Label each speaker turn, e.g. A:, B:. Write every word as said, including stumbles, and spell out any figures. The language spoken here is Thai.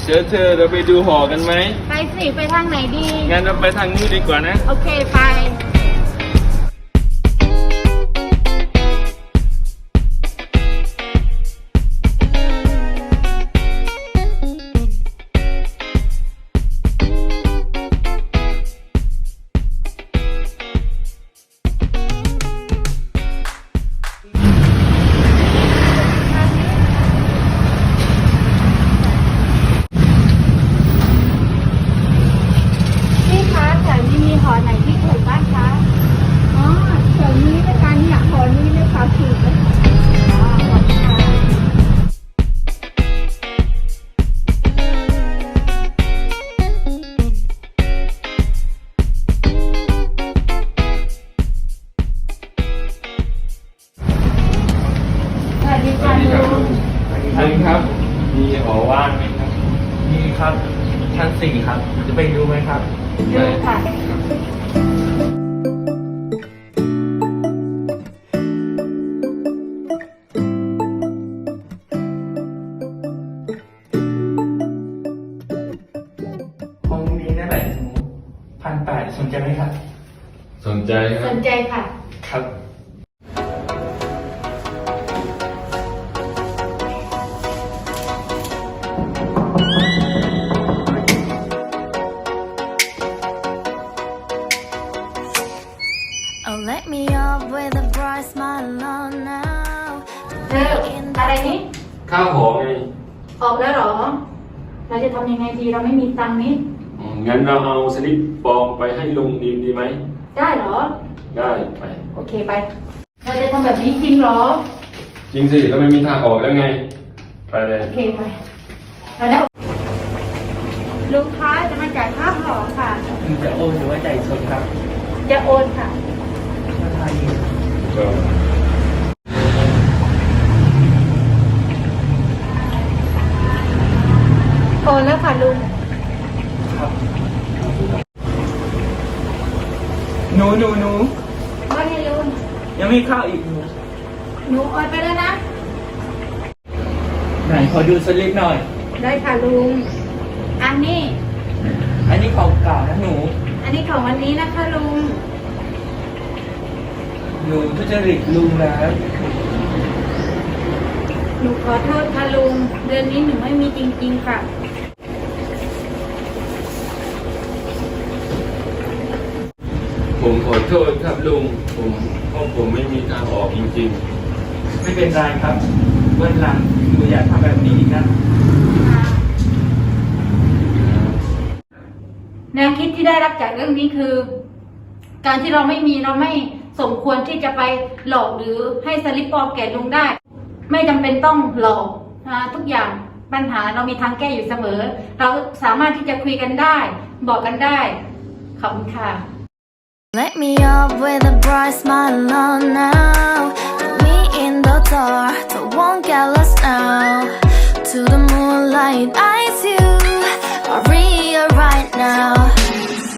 A: เจอเธอเราไปดูหอกันไหม
B: ไปสิไปทางไหนดี
A: งั้นเราไปทางนี้ดีกว่านะ
B: โอเคไปหอไหนที่ถูกบ้างคะอ๋อแถวนี้ด้วยกันเนี่ยหอนี้เลยค่ะถูกเลยอ๋อขอบคุณค่ะสวัสดีค่ะลุง
A: สวัสดีครับมีหอว่างไหมครับ
C: มีครับชั้นสี่ครับจะไปดูไหมครับ
B: ดูค่ะ
C: ห้องนี้นั่นแหละพันแปดสนใจไหมครับ
A: สนใจค
B: ส
A: รับ
B: นใจค่ะ
C: ครับ
B: Oh, let me up with a bright smile on now. เธออะไรนี่
A: ข้าวหอไง
B: ออกแล้วเหรอเราจะทำยังไงดีเราไม่มีตังค์นี้
A: อ๋องั้นเราเอาสลิปปลอมไปให้ลุงดีดีไหม
B: ได้เหรอ
A: ได้ไป
B: โอเคไปเราจะทำแบบนี้จริงเหรอ
A: จริงสิเราไม่มีทางออกแล้วไงไปเลย
B: โอเคไปแล้วลุงค้าจะมาจ่ายค่าหอค่ะ
C: จะโอนหรือว่าจ่ายสดครับ
B: จะโอนค่ะ
C: ราคาดี
B: โอนแล้วค่ะลุง
C: ครับหนูหนูหนู
B: ว่าไงลุง
C: ยังไม่เข้าอีกหนู
B: หนูโอนไปแล้วนะ
C: ไหนขอดูสลิปหน่อย
B: ได้ค่ะลุงอันนี้
C: อันนี้ของเก่านะหนู
B: อันนี้ของวันนี้นะคะลุง
C: หนูทุจริตลุงแล้ว
B: หนูขอโทษค่ะลุงเดือนนี้หนูไม่มีจริงๆค่ะ
A: ผมขอโทษครับลุงผมเพราะผมไม่มีทางออกจริง
C: ๆไม่เป็นไรครับวันหลังหนูอย่าทำแบบนี้อีกนะ
B: แนวคิดที่ได้รับจากเรื่องนี้คือการที่เราไม่มีเราไม่สมควรที่จะไปหลอกหรือให้สลิปปลอมแก่ลุงได้ไม่จำเป็นต้องหลอกนะทุกอย่างปัญหาเรามีทางแก้อยู่เสมอเราสามารถที่จะคุยกันได้บอกกันได้ขอบคุณค่ะ Let me up with a bright smile on now Put me in the dark so won't get lost now To the moonlight eyes you are real right now